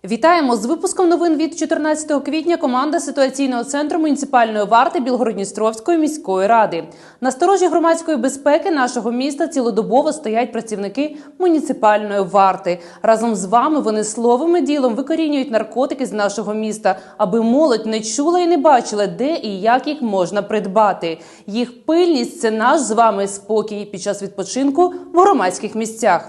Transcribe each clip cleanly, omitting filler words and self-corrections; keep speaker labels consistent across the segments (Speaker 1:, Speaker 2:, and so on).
Speaker 1: Вітаємо! З випуском новин від 14 квітня команда ситуаційного центру муніципальної варти Білгород-Дністровської міської ради. На сторожі громадської безпеки нашого міста цілодобово стоять працівники муніципальної варти. Разом з вами вони словом і ділом викорінюють наркотики з нашого міста, аби молодь не чула і не бачила, де і як їх можна придбати. Їх пильність – це наш з вами спокій під час відпочинку в громадських місцях.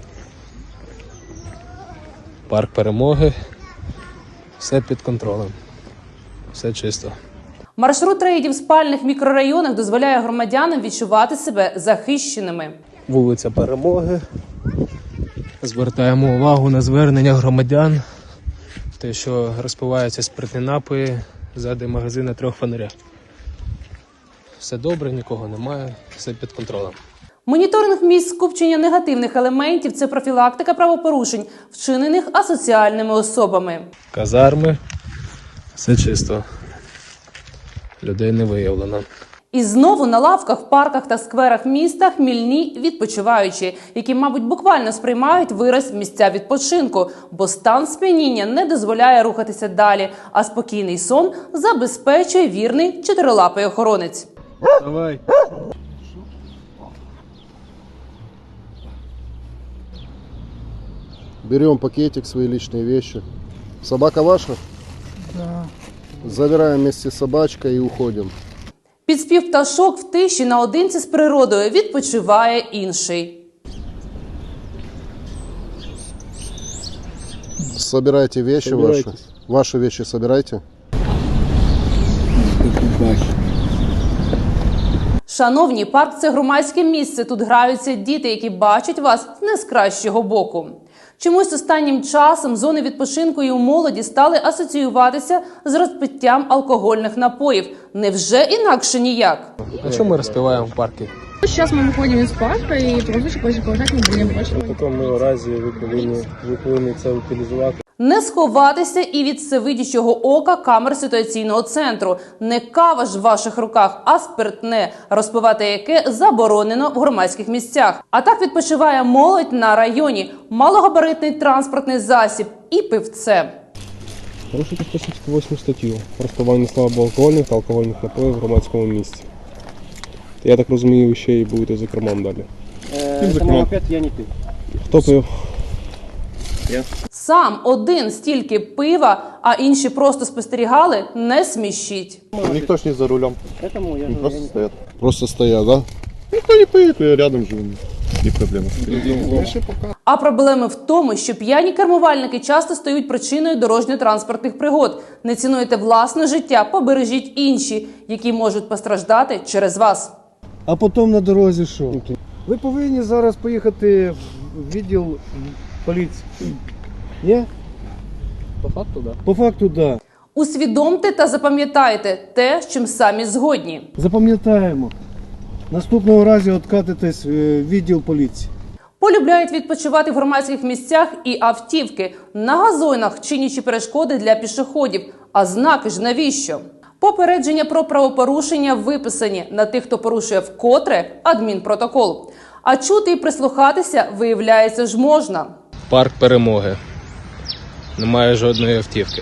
Speaker 2: Парк Перемоги, все під контролем, все чисто.
Speaker 1: Маршрут рейдів в спальних мікрорайонах дозволяє громадянам відчувати себе захищеними.
Speaker 2: Вулиця Перемоги. Звертаємо увагу на звернення громадян, те, що розпиваються спиртні напої ззади магазину трьох фонаря. Все добре, нікого немає, все під контролем.
Speaker 1: Моніторинг місць скупчення негативних елементів – це профілактика правопорушень, вчинених асоціальними особами.
Speaker 2: Казарми, все чисто, людей не виявлено.
Speaker 1: І знову на лавках, в парках та скверах міста хмільні відпочиваючі, які, мабуть, буквально сприймають вираз місця відпочинку, бо стан сп'яніння не дозволяє рухатися далі, а спокійний сон забезпечує вірний чотирилапий охоронець.
Speaker 2: Давай.
Speaker 3: Берем пакетик, свои личные вещи. Собака ваша? Да. Забираем вместе с собачкой и уходим.
Speaker 1: Під спів пташок в тиші наодинці з природою відпочиває інший.
Speaker 3: Собирайте вещи ваши. Ваши вещи собирайте.
Speaker 1: Шановні, парк – це громадське місце. Тут граються діти, які бачать вас не з кращого боку. Чомусь останнім часом зони відпочинку і у молоді стали асоціюватися з розпиттям алкогольних напоїв. Невже інакше ніяк?
Speaker 2: А чому ми розпиваємо в парку?
Speaker 4: Сейчас мы выходим из парка и просто продолжать не будем больше.
Speaker 2: В такому разі ви повинні це утилізувати.
Speaker 1: Не сховатися і від всевидячого ока камер ситуаційного центру. Не кава ж в ваших руках, а спиртне, розпивати яке заборонено в громадських місцях. А так відпочиває молодь на районі, малогабаритний транспортний засіб і пивце.
Speaker 5: Порушуйте 168 статтю про розпивання слабоалкогольних та алкогольних напоїв в громадському місці. Я так розумію, ви ще й будете за кермом далі.
Speaker 6: Опять я не пив.
Speaker 5: Хто пив?
Speaker 1: Сам один стільки пива, а інші просто спостерігали, не смішіть.
Speaker 3: Никто ж не за рулем.
Speaker 6: Поэтому я
Speaker 3: Просто стоят. Просто стоят, да? Никто не поедет, я рядом живу. Не проблема.
Speaker 1: А проблеми в тому, що п'яні кермувальники часто стають причиною дорожньо-транспортних пригод. Не цінуєте власне життя, побережіть інші, які можуть постраждати через вас.
Speaker 7: А потім на дорозі що? Ви повинні зараз поїхати в відділ поліції. Ні?
Speaker 2: По факту, так.
Speaker 7: По факту, да.
Speaker 1: Усвідомте та запам'ятайте те, з чим самі згодні.
Speaker 7: Запам'ятаємо. Наступного разу откатитесь в відділ поліції.
Speaker 1: Полюбляють відпочивати в громадських місцях і автівки, на газонах, чинячи перешкоди для пішоходів. А знаки ж навіщо? Попередження про правопорушення виписані. На тих, хто порушує вкотре – адмінпротокол. А чути і прислухатися, виявляється, ж можна.
Speaker 2: Парк Перемоги. Немає жодної автівки.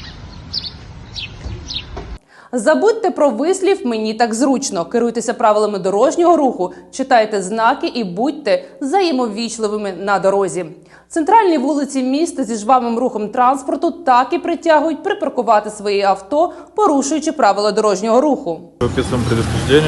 Speaker 1: Забудьте про вислів «мені так зручно». Керуйтеся правилами дорожнього руху, читайте знаки і будьте взаємовічливими на дорозі. Центральні вулиці міста зі жвавим рухом транспорту так і притягують припаркувати свої авто, порушуючи правила дорожнього руху.
Speaker 8: Описываем предупреждение.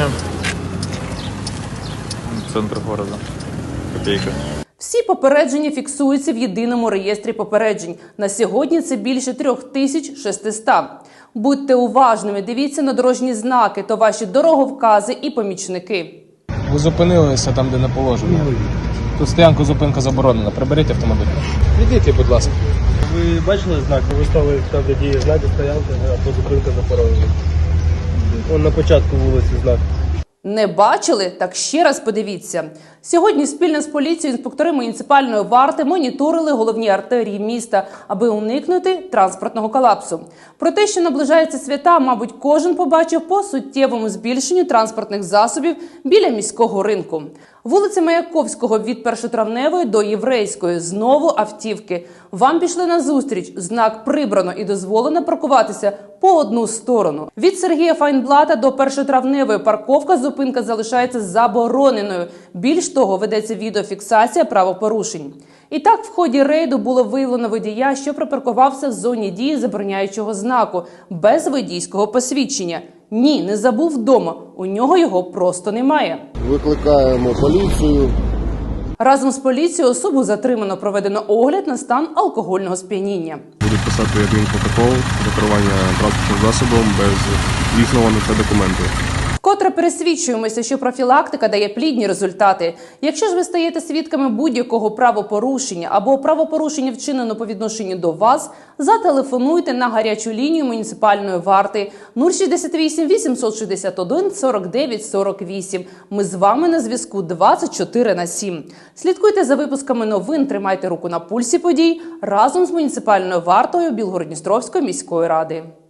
Speaker 8: Центр города. Копейка.
Speaker 1: Всі попередження фіксуються в єдиному реєстрі попереджень. На сьогодні це більше 3600. Будьте уважними, дивіться на дорожні знаки, то ваші дороговкази і помічники.
Speaker 2: Ви зупинилися там, де не положено. Тут стоянку зупинка заборонена. Приберіть автомобіль. Відійдіть, будь ласка.
Speaker 5: Ви бачили знак? Ви ставили там, де діє знаки стоянки або зупинка заборонена. Вон на початку вулиці знак.
Speaker 1: Не бачили? Так ще раз подивіться. Сьогодні спільно з поліцією інспектори муніципальної варти моніторили головні артерії міста, аби уникнути транспортного колапсу. Про те, що наближаються свята, мабуть, кожен побачив по суттєвому збільшенню транспортних засобів біля міського ринку. Вулиця Маяковського від Першотравневої до Єврейської. Знову автівки. Вам пішли назустріч. Знак прибрано і дозволено паркуватися по одну сторону. Від Сергія Файнблата до Першотравневої парковка зупинка залишається забороненою. Більш того, ведеться відеофіксація правопорушень. І так, в ході рейду було виявлено водія, що припаркувався в зоні дії забороняючого знаку, без водійського посвідчення. Ні, не забув вдома, у нього його просто немає.
Speaker 3: Викликаємо поліцію.
Speaker 1: Разом з поліцією особу затримано, проведено огляд на стан алкогольного сп'яніння.
Speaker 5: Будуть писати адмінпротокол за керування транспортним засобом без дійсного на це документу.
Speaker 1: Вкотре пересвідчуємося, що профілактика дає плідні результати. Якщо ж ви стаєте свідками будь-якого правопорушення або правопорушення вчинено по відношенню до вас, зателефонуйте на гарячу лінію муніципальної варти 068 861 49 48. Ми з вами на зв'язку 24/7. Слідкуйте за випусками новин, тримайте руку на пульсі подій разом з муніципальною вартою Білгород-Дністровської міської ради.